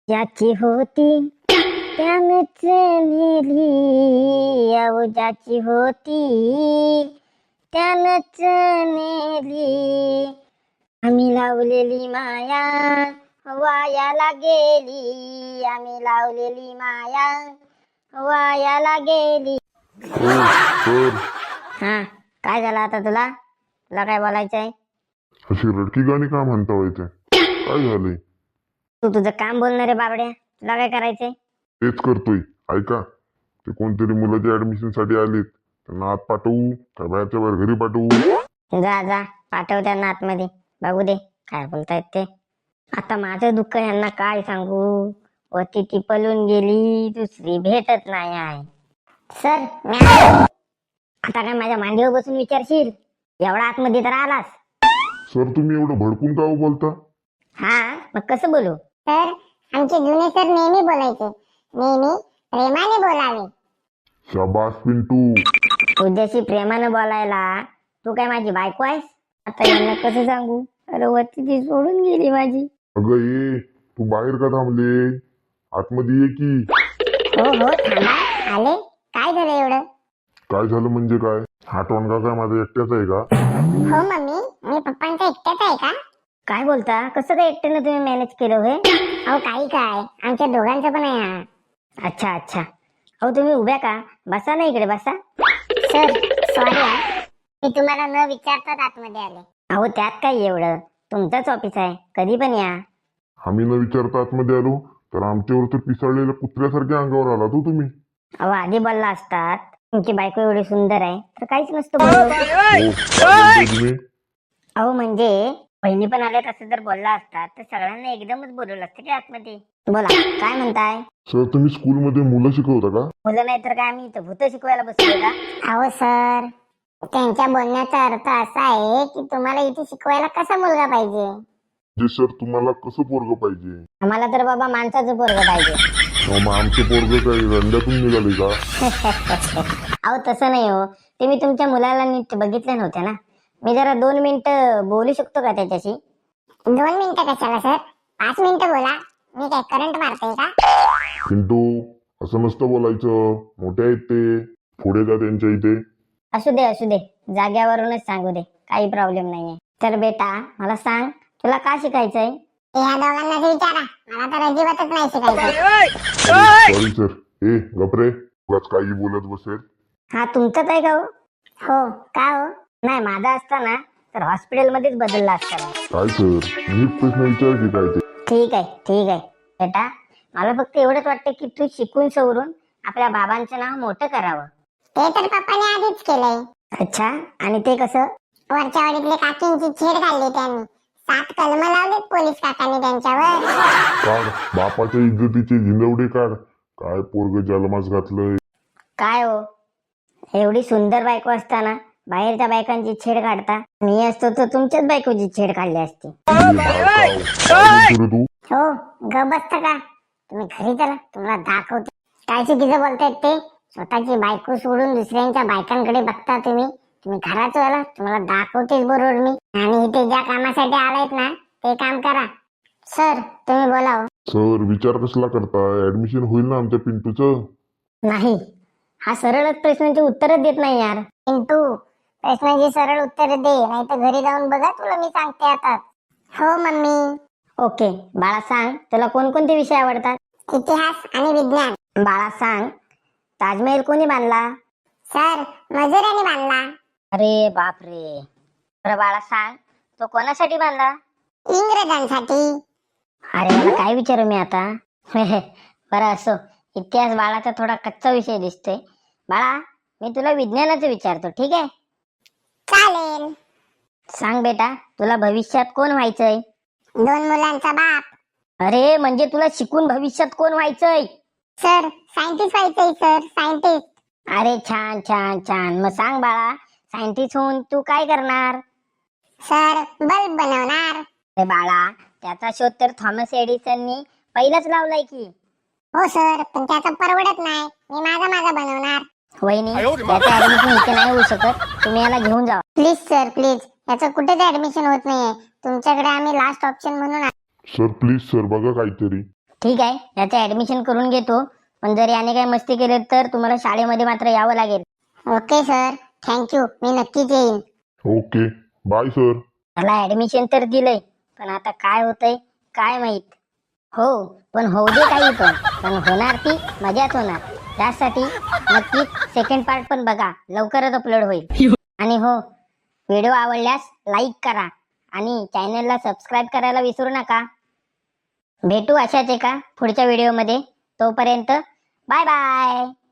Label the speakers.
Speaker 1: ज्याची होती त्यानंच नेली, अहो ज्याची होती त्यानंच नेली. आम्ही लावलेली माया वायाला गेली, आम्ही लावलेली माया वायाला गेली. हा, काय झालं आता तुला? तुला काय बोलायचंय?
Speaker 2: अशी रडकी गाणी का म्हणता व्हायचे? काय झालंय?
Speaker 1: तू तुझं काम बोलणार रे बाबड्या, तुला काय करायचंय?
Speaker 2: तेच करतोय. ऐका, ते कोणतरी मुलाच्या ऍडमिशन साठी आलेत, त्यांना आत पाठवू का बाहेरच्या बाहेर घरी पाठवू?
Speaker 1: जा जा, पाठव त्यांना आतमध्ये, बघू दे काय बोलतायत ते. आता माझं दुःख यांना काय सांगू? व ती पळून गेली, दुसरी भेटत नाही आहे. सर आता काय माझ्या मांडीवर बसून विचारशील? एवढा आतमध्ये तर आलास.
Speaker 2: सर तुम्ही एवढं भडकून का बोलता?
Speaker 1: हा, मग कसं बोलू?
Speaker 3: सर, आमचे जुने सर नेहमी बोलायचे, नेहमी प्रेमाने बोलावे.
Speaker 2: शाबास पिंटू.
Speaker 1: तुझ्याशी प्रेमानं बोलायला तू काय माझी बायको आहेस? आता यांना कसं सांगू? अरे वरती ती सोडून गेली माझी.
Speaker 2: अगं ये, तू बाहेर का थांबले? आतमध्ये ये की.
Speaker 3: हो हो, थांबा, आले. काय झालं एवढं?
Speaker 2: काय झालं म्हणजे काय? हा टोनगा काय माझा एकट्याच आहे का?
Speaker 3: हो मम्मी, मी पप्पांचा एकट्याच आहे का?
Speaker 1: काय बोलता? कसं काय एकट्यानं तुम्ही मॅनेज केलं होय?
Speaker 3: अहो काही काय, आमच्या दोघांचं पण आहे हा.
Speaker 1: अच्छा अच्छा. अहो तुम्ही उभ्या का? बसा ना इकडे बसा.
Speaker 3: सर सॉरी हा, मी तुम्हाला न विचारताच आतमध्ये आले.
Speaker 1: अहो त्यात काय एवढं, तुमचंच ऑफिस आहे, कधी पण या.
Speaker 2: आम्ही न विचारता आतमध्ये आलो तर आमच्यावर तर पिसाळलेल्या कुत्र्यासारख्या अंगावर आला तो तुम्ही.
Speaker 1: अहो आधी बोलला असतात तुमची बायको एवढी सुंदर आहे तर काहीच नसतं बोललो.
Speaker 2: हो, काय बोलताय तुम्ही?
Speaker 1: अहो म्हणजे बहिणी पण आल्यात असं जर बोलला असतात तर सगळ्यांना एकदमच बोलवलं असतं की आतमध्ये. बोला काय म्हणताय?
Speaker 2: सर तुम्ही स्कूलमध्ये मुलं शिकवता का?
Speaker 1: मुलं नाही तर काय आम्ही इथं भूत शिकवायला बसलोय का?
Speaker 3: अहो सर, त्यांच्या बोलण्याचा अर्थ असा आहे की तुम्हाला इथे शिकवायला कसा मुलगा पाहिजे.
Speaker 2: जे सर तुम्हाला कसं पोरग पाहिजे?
Speaker 1: आम्हाला तर बाबा माणसाचं पोरगं पाहिजे.
Speaker 2: मग आमचं पोरग काय रंड्यातून निघाले का?
Speaker 1: अहो तसं नाही हो, ते मी तुमच्या मुलाला नीट बघितले नव्हते ना. मी जरा 2 मिनिटं बोलू शकतो का त्याच्याशी?
Speaker 3: 2 मिनिटं कशाला सर, 5 मिनिटं बोला. मी काय करंट मारते का?
Speaker 2: पिंटू असं नसतं बोलायचं, मोठे आहेत ते, पुढे जा त्यांच्या इथे.
Speaker 1: असू दे जाग्यावरूनच सांगू दे, काही प्रॉब्लेम नाहीये. तर बेटा मला सांग, तुला का शिकायचंय?
Speaker 3: ह्या दोघांनाच विचारा, मला तर अजिबातच नाही शिकायचं.
Speaker 2: Sorry sir. ए गपरे, उगाच काही बोलत बसेल.
Speaker 1: हा तुमचाच आहे का हो?
Speaker 3: हो का हो?
Speaker 1: नाही माझा असता ना तर हॉस्पिटलमध्येच बदलला असता.
Speaker 2: काय सर, मी प्रश्न विचार की काय ते?
Speaker 1: ठीक आहे बेटा, मला फक्त एवढंच वाटतं की तू शिकून सवरून आपल्या बाबांचं नाव मोठं करावं.
Speaker 3: ते तर पप्पाने आधीच केलंय.
Speaker 1: अच्छा, आणि ते कसं?
Speaker 3: वरच्या वाडीतले काकींची छेड काढली त्यांनी, 7 कलम लावलेत पोलीस काकांनी त्यांच्यावर.
Speaker 2: काढ बापाच्या इज्जतीचे झिंदवडे काढ. काय पोरग जन्मास घातलंय?
Speaker 1: काय हो, एवढी सुंदर बायको असताना बाहेरच्या बायकांची छेड काढता? मी असतो तर तुमच्याच बायकोची छेड काढली असती.
Speaker 2: तू
Speaker 3: हो, ग बसता का तुम्ही? घरी चला, तुम्हाला दाखवते काय चुकीचं बोलतायत ते. स्वतःची बायको सोडून दुसऱ्यांच्या बायकांकडे बघता तुम्ही. तुम्ही घरात चला, तुम्हाला दाखवतेच बरोबर मी. आणि इथे ज्या कामासाठी आलायत ना ते काम करा. सर तुम्ही बोलाव.
Speaker 2: सर विचार कसला करताय? ऍडमिशन होईल ना आमच्या पिंटूचं?
Speaker 1: नाही, हा सरळच प्रश्नांची उत्तरच देत नाही यार.
Speaker 3: पिंटू, प्रश्नाची सरळ उत्तर दे, नाही तर घरी जाऊन बघा, तुला मी सांगते आता. हो मम्मी.
Speaker 1: ओके बाळा सांग, तुला कोणकोणते विषय आवडतात?
Speaker 3: इतिहास आणि विज्ञान.
Speaker 1: बाळा सांग, ताजमहल कोणी बांधला?
Speaker 3: सर मजुरांनी बांधला.
Speaker 1: अरे बापरे. बरं बाळा सांग, तो कोणासाठी बांधला?
Speaker 3: इंग्रजांसाठी.
Speaker 1: अरे मला काय विचारू मी आता? बरं असो, इतिहास बाळाचा थोडा कच्चा विषय दिसतोय. बाळा मी तुला विज्ञानाचं विचारतो, ठीक आहे?
Speaker 3: चालेल.
Speaker 1: सांग बेटा, तुला भविष्यात कोण व्हायचंय?
Speaker 3: 2 मुलांचा बाप.
Speaker 1: अरे म्हणजे तुला शिकून भविष्यात कोण व्हायचंय?
Speaker 3: सर सायंटिस्ट व्हायचंय सर, सायंटिस्ट.
Speaker 1: अरे छान छान छान. मग सांग बाळा, सायंटिस्ट होऊन तू काय करणार?
Speaker 3: सर बल्ब बनवणार.
Speaker 1: अरे बाळा, त्याचा शोध तर थॉमस एडिसननी पहिलाच लावलाय की.
Speaker 3: हो सर, पण त्याचं परवडत नाही, मी माझा बनवणार.
Speaker 1: वहिनी त्याचं ऍडमिशन इथे नाही होऊ शकत, तुम्ही याला घेऊन जा.
Speaker 3: प्लीज सर प्लीज, याचं कुठेच ऍडमिशन होत नाहीये. तुमच्याकडे आम्ही लास्ट ऑप्शन म्हणून
Speaker 2: सर प्लीज सर, बघा काहीतरी.
Speaker 1: ठीक आहे, याचं ऍडमिशन करून घेतो. पण जर याने काही मस्ती केली तर तुम्हाला शाळेमध्ये मात्र यावं लागेल.
Speaker 3: ओके सर, थँक्यू, मी नक्कीच येईन.
Speaker 2: Okay, bye sir.
Speaker 1: त्याला ऍडमिशन तर दिलंय, पण आता काय होतंय काय माहित. हो, पण होऊ दे काही पण होणार ती मजाच होणार. त्यासाठी नक्कीच सेकंड पार्ट पण बघा, लवकरच अपलोड होईल. आणि हो, व्हिडिओ आवडल्यास लाईक करा आणि चॅनलला सबस्क्राईब करायला विसरू नका. भेटू अशाच एका पुढच्या व्हिडिओमध्ये. तोपर्यंत बाय बाय.